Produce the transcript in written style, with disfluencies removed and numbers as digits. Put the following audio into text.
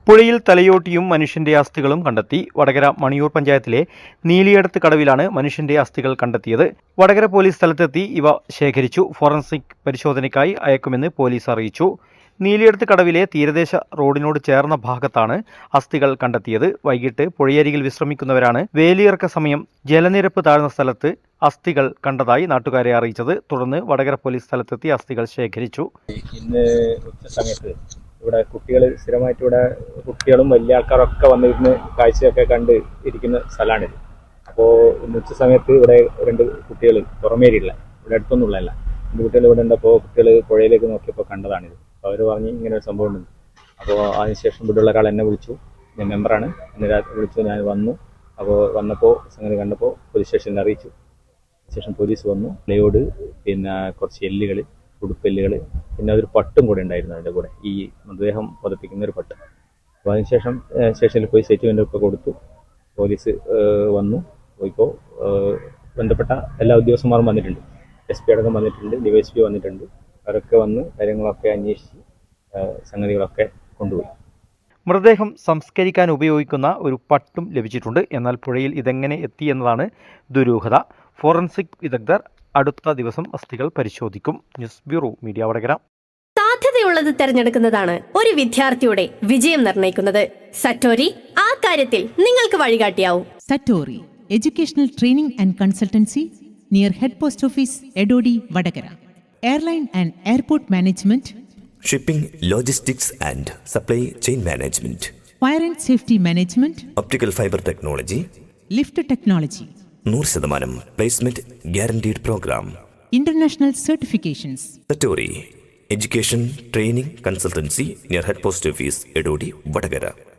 പുഴയിൽ തലയോട്ടിയും മനുഷ്യന്റെ അസ്ഥികളും കണ്ടെത്തി. വടകര മണിയൂർ പഞ്ചായത്തിലെ നീലിയടത്ത് കടവിലാണ് മനുഷ്യന്റെ അസ്ഥികൾ കണ്ടെത്തിയത്. വടകര പോലീസ് സ്ഥലത്തെത്തി ഇവ ശേഖരിച്ചു. ഫോറൻസിക് പരിശോധനയ്ക്കായി അയക്കുമെന്ന് പോലീസ് അറിയിച്ചു. നീലിയടത്ത് കടവിലെ തീരദേശ റോഡിനോട് ചേർന്ന ഭാഗത്താണ് അസ്ഥികൾ കണ്ടെത്തിയത്. വൈകിട്ട് പുഴയരികിൽ വിശ്രമിക്കുന്നവരാണ് വേലിയിറക്ക സമയം ജലനിരപ്പ് താഴ്ന്ന സ്ഥലത്ത് അസ്ഥികൾ കണ്ടതായി നാട്ടുകാരെ അറിയിച്ചത്. തുടർന്ന് വടകര പോലീസ് സ്ഥലത്തെത്തി അസ്ഥികൾ ശേഖരിച്ചു. ഇന്ന് ഉച്ച സമയത്ത് ഇവിടെ കുട്ടികൾ സ്ഥിരമായിട്ട് ഇവിടെ കുട്ടികളും വലിയ ആൾക്കാരൊക്കെ വന്നിരുന്ന് കാഴ്ചയൊക്കെ കണ്ട് ഇരിക്കുന്ന സ്ഥലമാണിത്. അപ്പോൾ ഇന്ന് ഉച്ച സമയത്ത് ഇവിടെ 2 കുട്ടികൾ പുറമേരിയുള്ള ഇവിടെ അടുത്തൊന്നുമുള്ളതല്ല 2 കുട്ടികൾ ഇവിടെ ഉണ്ടപ്പോൾ കുട്ടികൾ പുഴയിലേക്ക് നോക്കിയപ്പോൾ കണ്ടതാണിത്. അപ്പോൾ അവർ പറഞ്ഞ് ഇങ്ങനെ ഒരു സംഭവം ഉണ്ട്. അപ്പോൾ അതിനുശേഷം ഇവിടെയുള്ള ഒരാൾ എന്നെ വിളിച്ചു. ഞാൻ മെമ്പറാണ്. എന്നെ വിളിച്ചു. ഞാൻ വന്നു. അപ്പോൾ വന്നപ്പോൾ സംഗതി കണ്ടപ്പോൾ പോലീസ് സ്റ്റേഷനിൽ അറിയിച്ചു. ശേഷം പോലീസ് വന്നു. പ്ലൈവുഡ്, പിന്നെ കുറച്ച് എല്ലുകൾ, ഉടുപ്പെല്ലുകൾ, പിന്നെ ഒരു പട്ടും കൂടെ ഉണ്ടായിരുന്നു അതിൻ്റെ കൂടെ, ഈ മൃതദേഹം പതിപ്പിക്കുന്ന ഒരു പട്ട്. അപ്പോൾ അതിനുശേഷം സ്റ്റേഷനിൽ പോയി സ്റ്റേറ്റ്മെൻ്റ് ഒക്കെ കൊടുത്തു. പോലീസ് വന്നു. ഇപ്പോൾ ബന്ധപ്പെട്ട എല്ലാ ഉദ്യോഗസ്ഥന്മാരും വന്നിട്ടുണ്ട്. SP അടക്കം വന്നിട്ടുണ്ട്, DYSP വന്നിട്ടുണ്ട്. അവരൊക്കെ വന്ന് കാര്യങ്ങളൊക്കെ അന്വേഷിച്ച് സംഗതികളൊക്കെ കൊണ്ടുപോയി. മൃതദേഹം സംസ്കരിക്കാൻ ഉപയോഗിക്കുന്ന ഒരു പട്ടും ലഭിച്ചിട്ടുണ്ട്. എന്നാൽ പുഴയിൽ ഇതെങ്ങനെ എത്തി എന്നതാണ് ദുരൂഹത. ഫോറൻസിക് വിദഗ്ധർ അടുത്ത ദിവസം അസ്ഥികൾ പരിശോധിക്കും. News bureau, media Vadakara. സാധ്യതയുള്ളത് തിരഞ്ഞെടുക്കുന്നതാണ് ഒരു വിദ്യാർത്ഥിയുടെ വിജയം നിർണ്ണയിക്കുന്നത്. സറ്റോരി ആ കാര്യത്തിൽ നിങ്ങൾക്ക് വഴികാട്ടിയാവും. Satori educational training and consultancy near head post office Edodi Vadakara. Airline and airport management, shipping, logistics and supply chain management, fire and safety management, optical fibre technology, lift technology, 100% placement guaranteed programme, international certifications. Satori education training consultancy near head post office Edodi Vadakara.